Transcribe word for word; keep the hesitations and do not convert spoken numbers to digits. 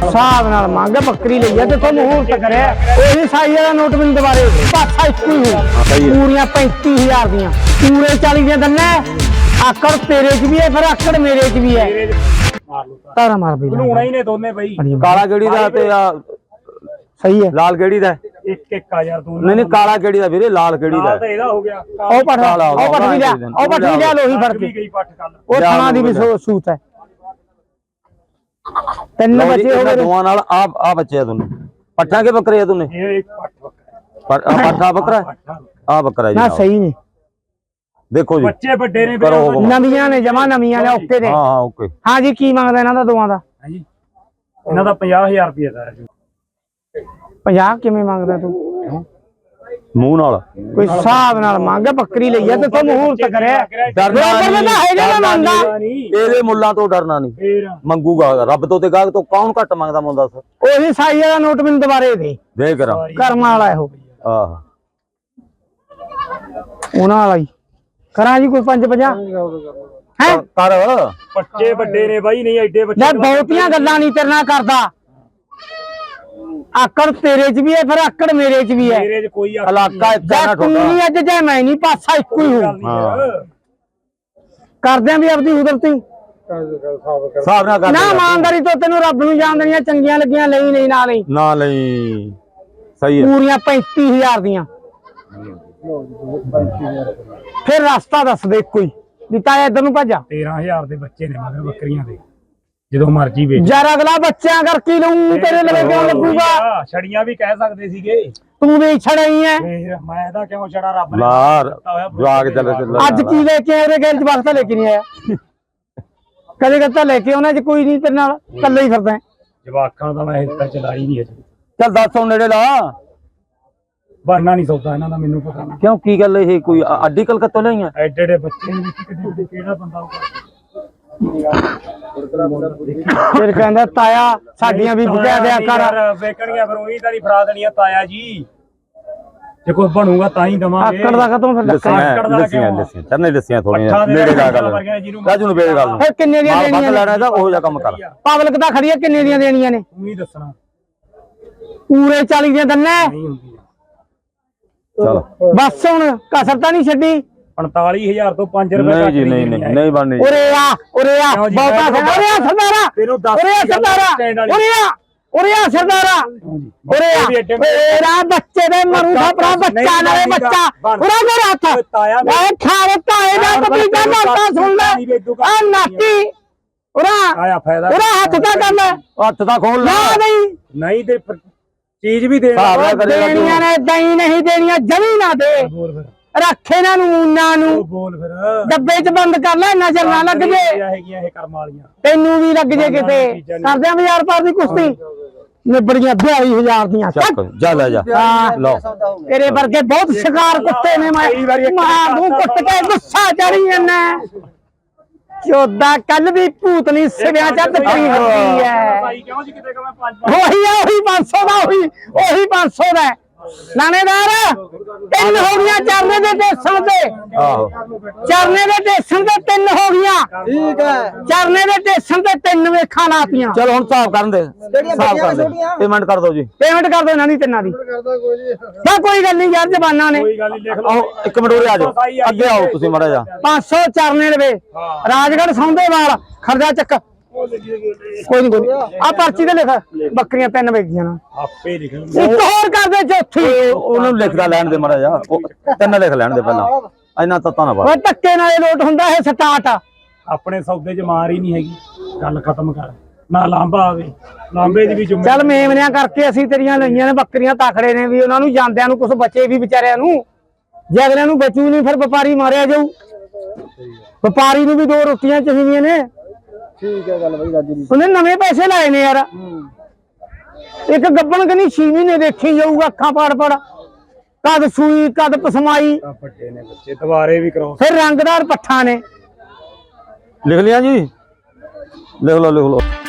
हिसाब नाल मंग बकरी लई है ते मुहूर्त करे ओही साई वाला नोट मैनूं दोबारे पासा इक्को ही हो पूरियां पैंती हज़ार दियां पूरे चालीस दियां दन्ने आकड़ तेरे च भी है फिर आकड़ मेरे च भी है तारा मार भी लूणा ही ने दोने भाई काला गेड़ी दा ते सही है लाल गेड़ी दा एक एक हजार दोनों नहीं नहीं काला गेड़ी दा वीरे लाल गेड़ी दा तो ਇਹਦਾ ਹੋ ਗਿਆ ਉਹ ਪਠ ਉਹ ਪਠ ਵੀ ਲਿਆ ਉਹ ਪਠ ਵੀ ਲਿਆ ਲੋਹੀ ਫੜ ਕੇ ਗਈ ਪੱਠ ਕੱਲ ਉਹ ਥਾਣਾ ਦੀ ਵੀ ਸੂਤ ਹੈ ਤਿੰਨ ਬੱਚੇ ਹੋ ਗਏ ਦੋਵਾਂ ਨਾਲ ਆ ਆ ਬੱਚੇ ਆ ਦੋਨੇ ਪੱਠਾਂ ਕੇ ਬੱਕਰੇ ਆ ਦੋਨੇ ਇਹ ਇੱਕ ਪੱਠ ਬੱਕਰਾ ਪੱਠਾ ਬੱਕਰਾ ਆ ਬੱਕਰਾ ਜੀ ਨਾ ਸਹੀ ਨਹੀਂ ਦੇਖੋ ਜੀ ਬੱਚੇ ਵੱਡੇ ਨੇ ਨਵੀਆਂ ਨੇ ਜਮਾ ਨਵੀਆਂ ਨੇ ਓਕੇ ਨੇ ਹਾਂ ਹਾਂ ਓਕੇ ਹਾਂ ਜੀ ਕੀ ਮੰਗਦਾ ਇਹਨਾਂ ਦਾ ਦੋਵਾਂ ਦਾ ਹਾਂਜੀ ਇਹਨਾਂ ਦਾ ਪੰਜਾਹ ਹਜ਼ਾਰ ਰੁਪਏ ਦਾ ਹੈ ਪੰਜਾਹ ਕਿਵੇਂ ਮੰਗਦਾ ਤੂੰ ਮੂੰਹ ਨਾਲ ਕੋਈ ਹਿਸਾਬ ਨਾਲ ਮੰਗ ਬੱਕਰੀ ਲਈ ਆ ਤੇ ਤੂੰ ਮੁਹੂਰਤ ਕਰਿਆ ਡਰਨਾ ਨਹੀਂ ਹੈਗਾ ਨਾ ਮੰਗਦਾ ਇਹਦੇ ਮੁੱਲਾਂ ਤੋਂ ਡਰਨਾ ਨਹੀਂ ਫੇਰ ਮੰਗੂਗਾ ਰੱਬ ਤੋਂ ਤੇ ਗਾਹਕ ਤੋਂ ਕੌਣ ਘੱਟ ਮੰਗਦਾ ਮੁੰਡਾ ਦੱਸ ਉਹੀ ਸਾਈ ਵਾਲਾ ਨੋਟ ਮੈਨੂੰ ਦੁਬਾਰੇ ਦੇ ਦੇ ਕਰਾਂ ਕਰਮ ਵਾਲਾ ਇਹੋ ਆਹ ਉਹਨਾਂ ਵਾਲਾ ਹੀ ਕਰਾਂ ਜੀ ਕੋਈ ਪੰਜ ਪੰਜਾਹ ਹੈ ਕਰ ਬੱਚੇ ਵੱਡੇ ਨੇ ਬਾਈ ਨਹੀਂ ਐਡੇ ਬੱਚੇ ਮੈਂ ਬਹੁਤੀਆਂ ਗੱਲਾਂ ਨਹੀਂ ਤੇਰੇ ਨਾਲ ਕਰਦਾ ਆਕੜ ਤੇਰੇ ਚ ਵੀ ਹੈ ਫਿਰ ਆਕੜ ਮੇਰੇ ਚ ਵੀ ਹੈ ਮੇਰੇ ਚ ਕੋਈ ਇਲਾਕਾ ਇੱਕਾ ਨਾ ਤੂੰ ਨਹੀਂ ਅੱਜ ਜੇ ਮੈਂ ਨਹੀਂ ਪਾਸਾ ਇੱਕੋ ਹੀ ਹੋ ਕਰਦੇ ਆਂ ਵੀ ਆਪਦੀ ਕੁਦਰਤੀ ਹਿਸਾਬ ਨਾਲ ਕਰ ਨਾ ਇਮਾਨਦਾਰੀ ਤੋਂ ਤੈਨੂੰ ਰੱਬ ਨੂੰ ਜਾਣ ਦੇਣੀਆਂ ਚੰਗੀਆਂ ਲੱਗੀਆਂ ਲਈ ਨਹੀਂ ਨਾ ਲਈ ਨਾ ਲਈ ਸਹੀ ਹੈ ਪੂਰੀਆਂ ਪੈਂਤੀ ਹਜ਼ਾਰ ਦੀਆਂ ਫਿਰ ਰਸਤਾ ਦੱਸ ਦੇ ਕੋਈ ਵੀ ਤਾਇਆ ਇੱਧਰ ਨੂੰ ਭੱਜਾ ਤੇਰਾਂ ਹਜ਼ਾਰ ਦੇ ਬੱਚੇ ਨੇ ਮਗਰ ਬੱਕਰੀਆਂ ਦੇ ਜਦੋਂ ਮਰਜੀ ਵੇਚ ਯਾਰ ਅਗਲਾ ਬੱਚਿਆਂ ਕਰਕੇ ਲਊਂ ਤੇਰੇ ਲਵੇ ਕਿਉਂ ਲੱਗੂਗਾ ਛੜੀਆਂ ਵੀ ਕਹਿ ਸਕਦੇ ਸੀਗੇ ਤੂੰ ਵੀ ਛੜਾਈ ਐ ਮੈਂ ਇਹਦਾ ਕਿਉਂ ਛੜਾ ਰੱਬ ਨੇ ਮਾਰ ਜਵਾਗ ਚੱਲ ਚੱਲ ਅੱਜ ਕੀ ਲੈ ਕੇ ਆਏ ਉਹਦੇ ਗੈਰ ਜਵਾਕ ਤਾਂ ਲੈ ਕੇ ਨਹੀਂ ਆਇਆ ਕਦੇ ਕਦੇ ਲੈ ਕੇ ਉਹਨਾਂ ਚ ਕੋਈ ਨਹੀਂ ਤੇਰੇ ਨਾਲ ਇਕੱਲਾ ਹੀ ਫਿਰਦਾ ਜਵਾਕਾਂ ਦਾ ਮੈਂ ਹਿੱਸਾ ਚਲਾਈ ਨਹੀਂ ਅਜੇ ਚੱਲ ਦੱਸ ਹੁਣ ਨੇੜੇ ਲਾ ਬਰਨਾ ਨਹੀਂ ਸੌਦਾ ਇਹਨਾਂ ਦਾ ਮੈਨੂੰ ਪਤਾ ਨਹੀਂ ਕਿਉਂ ਕੀ ਗੱਲ ਇਹ ਕੋਈ ਅੱਡੀ ਕਲਕੱਤੋਂ ਲਈਆਂ ਐਡੇ ਐਡੇ ਬੱਚੇ ਨੇ ਕਿਹੜੇ ਕਿਹੜਾ ਬੰਦਾ ਫਿਰ ਕਹਿੰਦਾ ਤਾਇਆ ਸਾਡੀਆਂ ਵੀ ਬੁਝਾ ਦਿਆ ਕਰ ਵੇਚਣੀਆਂ ਫਿਰ ਉਹੀ ਤਾਂ ਨਹੀਂ ਫਰਾ ਦੇਣੀਆਂ ਤਾਇਆ ਜੀ ਜੇ ਕੋਈ ਬਣੂਗਾ ਤਾਂ ਹੀ ਦਵਾਂਗੇ ਆਕੜ ਦਾ ਖਤਮ ਫਿਰ ਦੱਸੀਆਂ ਦੱਸੀਆਂ ਦੱਸੀਆਂ ਚਰਨੇ ਦੱਸੀਆਂ ਥੋੜੀਆਂ ਨੇੜੇ ਲਾ ਗੱਲ ਰਾਜੂ ਨੂੰ ਵੇਚ ਗੱਲ ਨੂੰ ਫਿਰ ਕਿੰਨੇ ਦੀਆਂ ਦੇਣੀਆਂ ਲੈਣਾ ਤਾਂ ਉਹੋ ਜਿਹਾ ਕੰਮ ਕਰ ਪਬਲਿਕ ਤਾਂ ਖੜੀ ਹੈ ਕਿੰਨੇ ਦੀਆਂ ਦੇਣੀਆਂ ਨੇ ਤੂੰ ਹੀ ਦੱਸਣਾ ਪੂਰੇ ਚਾਲੀ ਦੀਆਂ ਦੰਨੇ ਨਹੀਂ ਹੁੰਦੀ ਚਲ ਬਸ ਹੁਣ ਕਸਰ ਤਾਂ ਨਹੀਂ ਛੱਡੀ ਪੰਤਾਲੀ ਹਜ਼ਾਰ ਤੋਂ ਪੰਜ ਰੁਪਏ ਨਹੀਂ ਜੀ ਨਹੀਂ ਨਹੀਂ ਨਹੀਂ ਬਣਨੀ ਉਰੇ ਆ ਉਰੇ ਆ ਬਹੁਤਾ ਉਰੇ ਆ ਸਰਦਾਰਾ ਤੈਨੂੰ ਦੱਸ ਉਰੇ ਆ ਸਰਦਾਰਾ ਉਰੇ ਆ ਉਰੇ ਆ ਸਰਦਾਰਾ ਉਰੇ ਆ ਤੇਰਾ ਬੱਚੇ ਦੇ ਮਰੂ ਦਾ ਬੱਚਾ ਨਾਲੇ ਬੱਚਾ ਉਰਾ ਮੇਰਾ ਹੱਥ ਮੈਂ ਖਾਰੇ ਤਾਏ ਦਾ ਪਪੀਤਾ ਮਾਰਦਾ ਸੁਣ ਲੈ ਆ ਨਾਟੀ ਉਰਾ ਆਇਆ ਫਾਇਦਾ ਉਰਾ ਹੱਥ ਤਾਂ ਕਰ ਲੈ ਹੱਥ ਤਾਂ ਖੋਲ ਨਾ ਨਹੀਂ ਨਹੀਂ ਤੇ ਚੀਜ਼ ਵੀ ਦੇ ਦੇਣੀਆਂ ਨੇ ਏਦਾਂ ਹੀ ਨਹੀਂ ਦੇਣੀਆਂ ਜਮੀ ਨਾ ਦੇ ਰੱਖ ਇਹਨਾਂ ਨੂੰ ਉਹਨਾਂ ਨੂੰ ਬੋਲ ਫਿਰ ਡੱਬੇ 'ਚ ਬੰਦ ਕਰ ਲੈ ਨਜ਼ਰ ਨਾ ਲੱਗ ਜੇ ਹੈਗੀਆਂ ਇਹ ਕਰਮ ਵਾਲੀਆਂ ਤੈਨੂੰ ਵੀ ਲੱਗ ਜੇ ਕਿਤੇ ਕਰਦੇ ਆ ਹਜ਼ਾਰ ਪਰ ਦੀ ਕੁਸ਼ਤੀ ਨਿਬੜੀਆਂ ਬਿਆਲੀ ਹਜ਼ਾਰ ਦੀਆਂ ਚੱਕ ਜਾ ਲੈ ਜਾ ਲਓ ਤੇਰੇ ਵਰਗੇ ਬਹੁਤ ਸ਼ਿਕਾਰ ਕੁੱਤੇ ਨੇ ਮੈਂ ਮਾਰ ਦੂੰ ਕੁੱਟ ਕੇ ਗੁੱਸਾ ਚੜੀ ਜਾਂਦਾ ਚੋਦਾ ਕੱਲ ਵੀ ਭੂਤਨੀ ਸਿਵਿਆਂ ਚ ਤਕਰੀ ਹੁੰਦੀ ਹੈ ਕਿਉਂ ਜੀ ਕਿਤੇ ਕਹਾਂ ਪੰਜ ਉਹੀ ਆ ਉਹੀ ਪੰਜ ਸੌ ਦਾ ਉਹੀ ਉਹੀ ਪੰਜ ਸੌ ਦਾ ਲਾਣੇਦਾਰ ਤਿੰਨ ਹੋ ਗਈਆਂ ਚਰਨੇ ਦੇ ਟੇਸ਼ਨ ਤੇ ਆਹੋ ਚਰਨੇ ਦੇ ਟੇਸ਼ਨ ਤੇ ਤਿੰਨ ਹੋ ਗਈਆਂ ਠੀਕ ਹੈ ਚਰਨੇ ਦੇ ਟੇਸ਼ਨ ਤੇ ਤਿੰਨ ਵੇਖਾਂ ਲਾਤੀਆਂ ਚਲ ਹੁਣ ਹਿਸਾਬ ਕਰਨ ਦੇ ਹਿਸਾਬ ਕਰ ਦੇ ਪੇਮੈਂਟ ਕਰ ਦਿਓ ਜੀ ਪੇਮੈਂਟ ਕਰ ਦਿਓ ਇਹਨਾਂ ਦੀ ਤਿੰਨਾਂ ਦੀ ਤਾਂ ਕੋਈ ਗੱਲ ਨਹੀਂ ਯਾਰ ਜ਼ਬਾਨਾਂ ਨੇ ਕੋਈ ਗੱਲ ਨਹੀਂ ਲਿਖ ਆਓ ਇੱਕ ਮਿੰਟ ਉਰੇ ਆ ਜਾਓ ਅੱਗੇ ਆਓ ਤੁਸੀਂ ਮਾੜਾ ਜਾ ਪੰਜ ਸੌ ਚਰਨੇ ਦੇ ਰਾਜਗੜ੍ਹ ਸੌਂਦੇਵਾਲ ਖਰਜਾ ਚੱਕ ਕੋਈ ਨਹੀਂ ਕੋਈ ਆ ਪਰਚੀ ਤੇ ਲਿਖ ਬੱਕਰੀਆਂ ਤਿੰਨ ਵੇਚੀਆਂ ਨਾ ਆਪੇ ਲਿਖ ਇੱਕ ਹੋਰ ਕਰ ਦੇ ਚੌਥੀ ਉਹਨੂੰ ਲਿਖਦਾ ਲੈਣ ਦੇ ਮਾੜਾ ਜਾ ਤਿੰਨ ਲਿਖ ਲੈਣ ਦੇ ਪਹਿਲਾਂ ਇੰਨਾ ਤੱਤਾ ਨਾ ਪਾ ਉਹ ਧੱਕੇ ਨਾਲ ਲੋਟ ਹੁੰਦਾ ਇਹ ਸਟਾਰਟ ਆਪਣੇ ਸੌਦੇ 'ਚ ਮਾਰ ਹੀ ਨਹੀਂ ਹੈਗੀ ਗੱਲ ਖਤਮ ਕਰ ਨਾ ਲਾਂਬਾ ਆਵੇ ਲਾਂਬੇ ਦੀ ਵੀ ਜ਼ਿੰਮੇਵਾਰੀ ਚੱਲ ਮੇਮਨਿਆਂ ਕਰਕੇ ਅਸੀਂ ਤੇਰੀਆਂ ਲਈਆਂ ਨੇ ਬੱਕਰੀਆਂ ਤਾਖੜੇ ਨੇ ਵੀ ਉਹਨਾਂ ਨੂੰ ਜਾਂਦਿਆਂ ਨੂੰ ਕੁਝ ਬਚੇ ਵੀ ਵਿਚਾਰਿਆਂ ਨੂੰ ਜੇ ਅਗਲਿਆਂ ਨੂੰ ਬਚੂ ਨਹੀਂ ਫਿਰ ਵਪਾਰੀ ਮਾਰਿਆ ਜਾਊ ਵਪਾਰੀ ਨੂੰ ਵੀ ਦੋ ਰੋਟੀਆਂ ਚਾਹੀਦੀਆਂ ਨੇ ਠੀਕ ਹੈ ਗੱਲ ਬਈ ਰਾਜੂ ਦੀ ਉਹਨੇ ਨਵੇਂ ਪੈਸੇ ਲਾਏ ਨੇ ਯਾਰ ਇੱਕ ਗੱਬਣ ਕਨੀ ਛੇ ਮਹੀਨੇ ਦੇਖੀ ਜਾਊਗਾ ਅੱਖਾਂ ਪਾੜ ਪੜ ਕਦ ਸੂਈ ਕਦ ਪਸਮਾਈ ਵੱਡੇ ਨੇ ਬੱਚੇ ਦੁਬਾਰੇ ਵੀ ਕਰਾਓ ਫਿਰ ਰੰਗਦਾਰ ਪੱਠਾ ਨੇ ਲਿਖ ਲਿਆ ਜੀ ਲਿਖ ਲਓ ਲਿਖ ਲਓ